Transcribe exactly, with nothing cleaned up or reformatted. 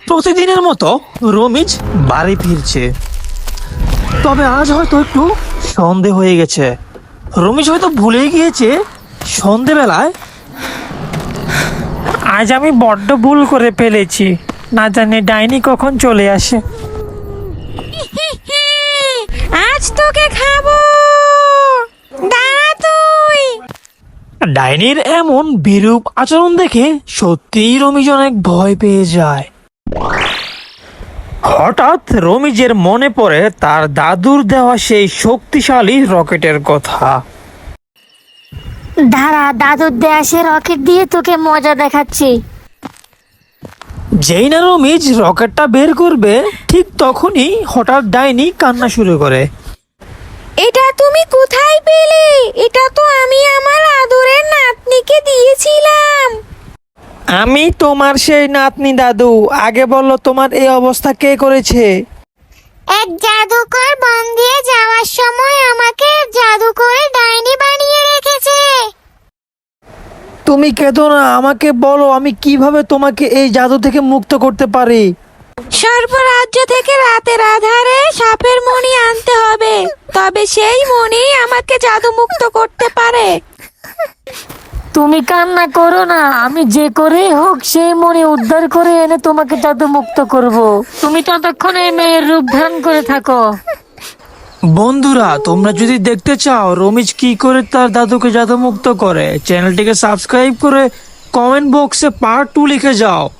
প্রতিদিনের মতো রমিজ বাড়ি ফিরছে, তবে আজ হয়তো একটু সন্ধে হয়ে গেছে। রমিজ হয়তো ভুলে গিয়েছে সন্ধেবেলায় আজ আমি বড্ড ভুল করে ফেলেছি, না জানি ডাইনি কখন চলে আসে। আজ তোকে খাবো, দাঁড়া তুই। ডাইনির এমন বিরূপ আচরণ দেখে সত্যিই রমিজ অনেক ভয় পেয়ে যায়। হঠাৎ রমিজের মনে পড়ে তার দাদুর দেওয়া সেই শক্তিশালী রকেটের কথা। দাঁড়া, দাদুর দেয়া সে রকেট দিয়ে তোকে মজা দেখাচ্ছি। যেই না রমিজ রকেটটা বের করবে, ঠিক তখনই হঠাৎ ডাইনি কান্না শুরু করে। এটা তুমি কোথায় পেলে? এটা তো আমি আমার আদরের নাতনিকে দিয়েছিলাম। আমি তোমার সেই নাতনি দাদু, আগে বললো তোমার এই অবস্থা কে করেছে? এক জাদুকর বন দিয়ে যাওয়ার সময় আমাকে জাদু করে ডাইনি বানিয়ে রেখেছে। তুমি কেঁদো না, আমাকে বলো আমি কিভাবে তোমাকে এই জাদু থেকে মুক্ত করতে পারি। সর্বরাজ্য থেকে রাতের আধারে সাপের মণি আনতে হবে, তবে সেই মণি আমাকে জাদু মুক্ত করতে পারে। তুমি কান্না করো না, আমি যে করে হোক সেই মনে উদ্ধার করে এনে তোমাকে জাদু মুক্ত করব। তুমি ততক্ষণ এই মেয়ের রূপ ধারণ করে থাকো। বন্ধুরা, তোমরা যদি দেখতে চাও রমিজ কি করে তার দাদুকে জাদু মুক্ত করে, চ্যানেলটিকে সাবস্ক্রাইব করে কমেন্ট বক্সে পার্ট টু লিখে যাও।